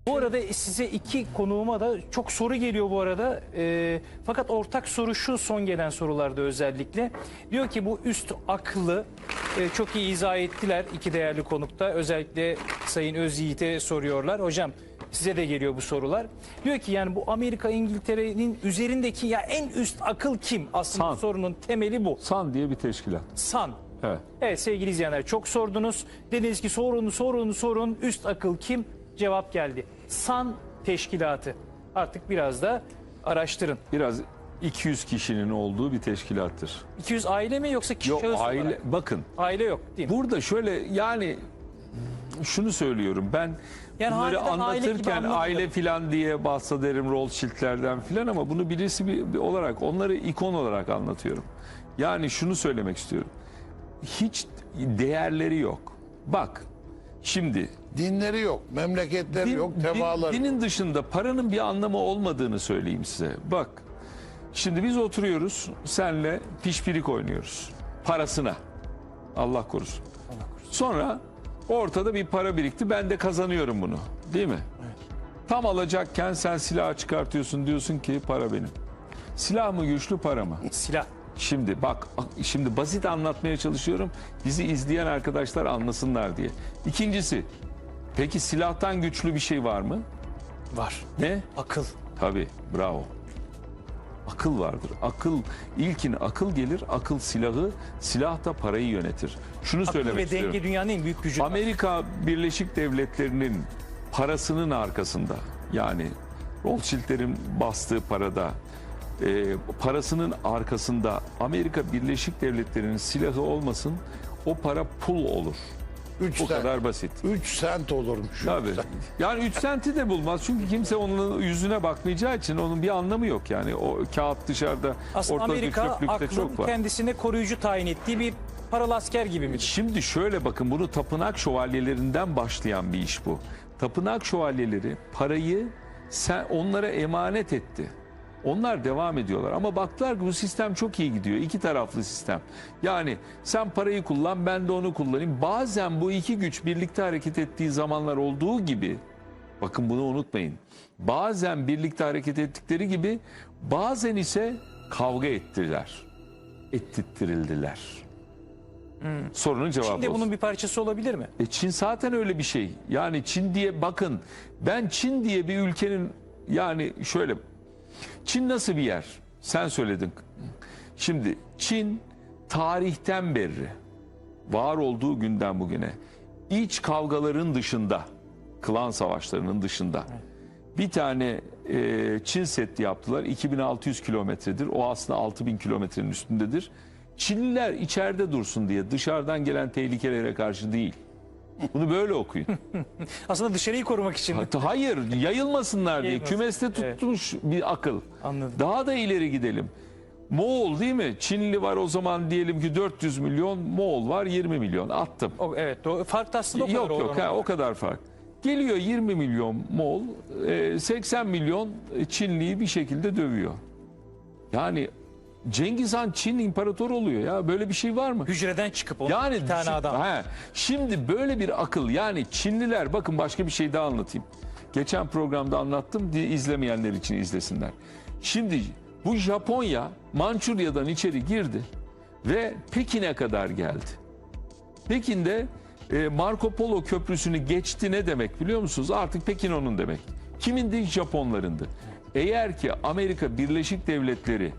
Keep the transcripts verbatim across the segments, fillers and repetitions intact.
Bu arada size iki konuğuma da çok soru geliyor bu arada. E, fakat ortak soru şu, son gelen sorularda özellikle. Diyor ki bu üst aklı e, çok iyi izah ettiler iki değerli konukta. Özellikle Sayın Özyiğit'e soruyorlar. Hocam size de geliyor bu sorular. Diyor ki yani bu Amerika İngiltere'nin üzerindeki ya en üst akıl kim? Aslında San. sorunun temeli bu. San diye bir teşkilat. San. Evet. Evet sevgili izleyenler, çok sordunuz. Dediniz ki sorun sorun sorun üst akıl kim? Cevap geldi. San Teşkilatı. Artık biraz da araştırın. Biraz iki yüz kişinin olduğu bir teşkilattır. iki yüz aile mi yoksa kişi Yok şahıs aile, olarak? bakın Aile yok değil mi? burada şöyle yani şunu söylüyorum ben, Yani bunları harbiden aile gibi anlatırken anlatılır. aile filan diye bahsederim Rothschild'lerden filan, ama bunu birisi bir, bir olarak onları ikon olarak anlatıyorum. Yani şunu söylemek istiyorum. Hiç değerleri yok. Bak şimdi Dinleri yok, memleketleri din- yok, din- tebaları. dinin dışında paranın bir anlamı olmadığını söyleyeyim size. Bak şimdi biz oturuyoruz senle pişpirik oynuyoruz parasına, Allah korusun. Sonra ortada bir para birikti, ben de kazanıyorum bunu, değil mi? Tam alacakken sen silahı çıkartıyorsun, diyorsun ki para benim. Silah mı güçlü, para mı? Silah. Şimdi bak, şimdi basit anlatmaya çalışıyorum, bizi izleyen arkadaşlar anlasınlar diye. İkincisi, peki silahtan güçlü bir şey var mı? Var. Ne? Akıl. Tabii, bravo. Akıl vardır. Akıl, ilkin akıl gelir, akıl silahı, silah da parayı yönetir. Şunu Akıl söylemek ve istiyorum. denge dünyanın en büyük gücü. Amerika Birleşik Devletleri'nin parasının arkasında, yani Rothschild'lerin bastığı parada, e, parasının arkasında Amerika Birleşik Devletleri'nin silahı olmasın, o para pul olur. Üç O sent. kadar basit. Üç sent olurmuş. Tabii. Yani üç senti de bulmaz. Çünkü kimse onun yüzüne bakmayacağı için onun bir anlamı yok. Yani o kağıt dışarıda, Aslında ortada Amerika çöplükte aklın çok var. kendisine koruyucu tayin ettiği bir paralı asker gibi midir? Şimdi şöyle bakın, bunu tapınak şövalyelerinden başlayan bir iş bu. Tapınak şövalyeleri parayı sen onlara emanet etti. Onlar devam ediyorlar ama baktılar ki bu sistem çok iyi gidiyor. İki taraflı sistem. Yani sen parayı kullan, ben de onu kullanayım. Bazen bu iki güç birlikte hareket ettiği zamanlar olduğu gibi, bakın bunu unutmayın. Bazen birlikte hareket ettikleri gibi, bazen ise kavga ettiler. Ettirttirildiler. Sorunun cevabı Çin de olsun. bunun bir parçası olabilir mi? E Çin zaten öyle bir şey. Yani Çin diye bakın, ben Çin diye bir ülkenin, yani şöyle, Çin nasıl bir yer? Sen söyledin. Şimdi Çin tarihten beri, var olduğu günden bugüne, iç kavgaların dışında, klan savaşlarının dışında bir tane e, Çin Seddi yaptılar. iki bin altı yüz kilometredir. O aslında altı bin kilometrenin üstündedir. Çinliler içeride dursun diye, dışarıdan gelen tehlikelere karşı değil. Bunu böyle okuyun. Aslında dışarıyı korumak için. Hatta hayır, yayılmasınlar diye Yayılmasın. kümeste Evet. tutmuş bir akıl. Anladım. Daha da ileri gidelim. Moğol değil mi? Çinli var o zaman, diyelim ki dört yüz milyon, Moğol var yirmi milyon, attım. O, evet, o fark da aslında o kadar Yok yok olan. ha, o kadar fark. Geliyor yirmi milyon Moğol, e, seksen milyon Çinliyi bir şekilde dövüyor. Yani Cengiz Han Çin imparatoru oluyor ya, böyle bir şey var mı? Hücreden çıkıp onu Yani bir tane düşün- adam. He, şimdi böyle bir akıl, yani Çinliler, bakın başka bir şey daha anlatayım. Geçen programda anlattım diye, izlemeyenler için izlesinler. Şimdi bu Japonya Mançurya'dan içeri girdi ve Pekin'e kadar geldi. Pekin'de e, Marco Polo Köprüsü'nü geçti, ne demek biliyor musunuz? Artık Pekin onun demek. Kimindi? Japonlarındı. Eğer ki Amerika Birleşik Devletleri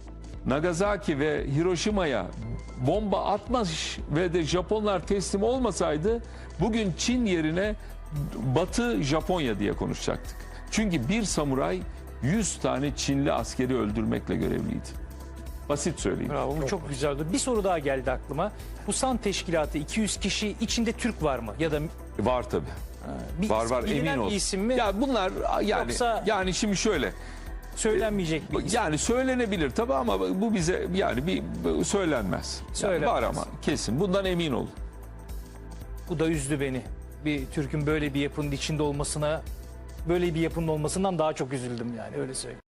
Nagasaki ve Hiroşima'ya bomba atmış ve de Japonlar teslim olmasaydı, bugün Çin yerine Batı Japonya diye konuşacaktık. Çünkü bir samuray yüz tane Çinli askeri öldürmekle görevliydi. Basit söyleyeyim. Bravo, bu çok güzeldi. Bir soru daha geldi aklıma. Bu San Teşkilatı iki yüz kişi, içinde Türk var mı? Ya da Var tabii. bir Var isim, var, bilinen emin ol. bir isim mi? Ya bunlar yani Yoksa- yani şimdi şöyle, Söylenmeyecek bir isim. yani söylenebilir tabii ama bu bize yani bir söylenmez. Yani Söylenmez. var ama kesin. Bundan emin olun. Bu da üzdü beni. Bir Türk'ün böyle bir yapının içinde olmasına, böyle bir yapının olmasından daha çok üzüldüm yani, öyle söyleyeyim.